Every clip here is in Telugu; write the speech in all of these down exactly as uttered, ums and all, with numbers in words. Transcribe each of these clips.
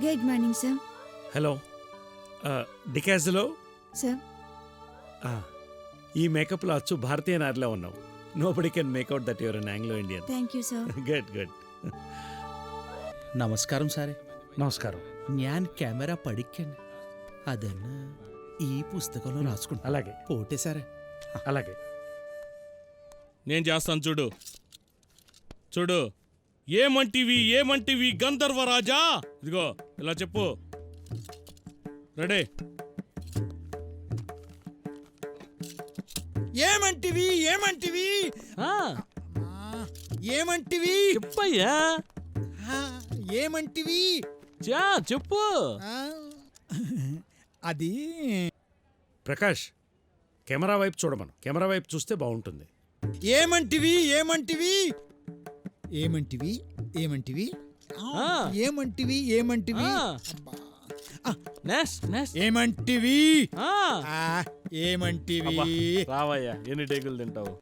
Good morning sir. హలో, డికాజ్లో సార్. ఈ మేకప్లో అచ్చు భారతీయ నారిలో ఉన్నావు. Nobody can make out that your an Anglo Indian. Thank you sir. Good good. നമസ്കാരം സാറേ. నమస్కారం. ഞാൻ కెమెరా പഠിക്കാൻ అదన్నా ఈ పుస్తకంలో రాసుకుంటా. అలాగే పోటే సారే. అలాగే నేను చేస్తాను చూడు చూడు. ఏమంటివి ఏమంటివి గంధర్వరాజా? ఇదిగో ఇలా చెప్పు. రెడీ? ఏమంటివి ఏమంటివి ఏమంటివి చెప్పయ్యా. ఆ, ఏమంటివి చా చెప్పు. ఆ, అది ప్రకాష్, కెమెరా వైపు చూడమను. కెమెరా వైపు చూస్తే బాగుంటుంది. ఏమంటివి ఏమంటివి ఏమంటివి ఏమంటివి ఆ. ఏమంటివి ఏమంటివి ఆ. అబ్బా. Next next. ఏమంటివి ఆ. ఆ, ఏమంటివి రావయ్యా, ఎన్ని టేకులు తింటావు?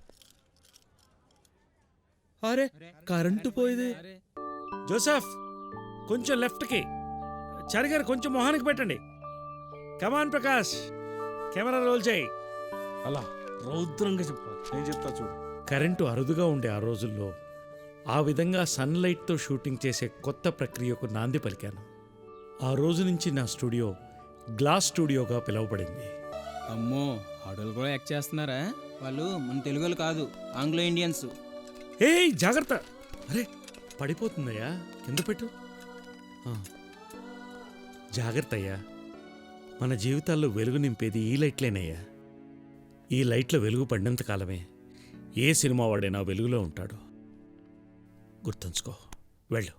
అరే కరెంటు పోయింది. జోసెఫ్, కొంచెం లెఫ్ట్కి. చారి గారు కొంచెం మొహానికి పెట్టండి. కమాన్ ప్రకాష్, కెమెరా రోల్ చేయి. అలా రౌద్రంగా చెప్పాలి. నేను చెప్తా చూడు. కరెంటు అరుదుగా ఉండే ఆ రోజుల్లో ఆ విధంగా సన్లైట్తో షూటింగ్ చేసే కొత్త ప్రక్రియకు నాంది పలికాను. ఆ రోజు నుంచి నా స్టూడియో గ్లాస్ స్టూడియోగా పిలువబడింది. అమ్మో, ఆడోళ్ళు కూడా యాక్ట్ చేస్తున్నారా? వాళ్ళు మన తెలుగులు కాదు, ఆంగ్లో ఇండియన్స్. ఏయ్ జాగ్రత్త! అరే పడిపోతుందయ్యా, కింద పెట్టు. ఆ, జాగ్రత్త అయ్యా. మన జీవితాల్లో వెలుగు నింపేది ఈ లైట్లేనయ్యా. ఈ లైట్లో వెలుగు పడినంత కాలమే ఏ సినిమా వాడైనా వెలుగులో ఉంటాడు. గుర్తుంచుకో. వెళ్ళు.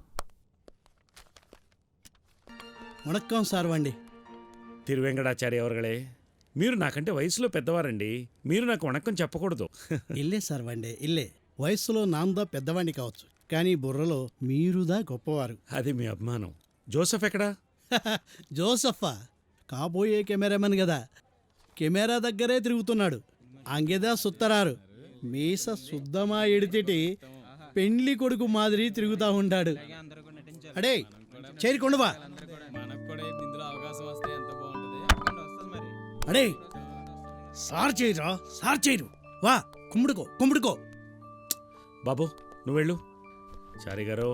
వణక్కం సార్వండి. తిరువెంకటాచార్య అవర్గళే, మీరు నాకంటే వయసులో పెద్దవారండి. మీరు నాకు వణక్కం చెప్పకూడదు. ఇల్లే సార్వండి, ఇల్లే. వయస్సులో నాందా పెద్దవాణ్ణి కావచ్చు, కానీ బుర్రలో మీరుదా గొప్పవారు. అది మీ అభిమానం. జోసెఫ్ ఎక్కడా? జోసఫా కాబోయే కెమెరామెన్ కదా, కెమెరా దగ్గరే తిరుగుతున్నాడు. అంగెదా సుత్తరారు మీస శుద్ధమా ఎడితిటి పెండ్లి కొడుకు మాదిరి తిరుగుతా ఉంటాడు. అడే చేరికొండవా. మనకు కూడా ఇందులో అవకాశం వస్తే ఎంత బాగుంటుంది. వస్తుంది మరి. అడే సార్ చేయరా, సార్ చేయరు. వా కుమ్ముడుకో కుమ్ముడుకో. బాబు నువ్వు వెళ్ళు. చారి గారు,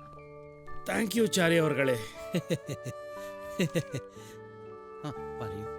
థ్యాంక్ యూ చారి అవర్గళే. പറയൂ.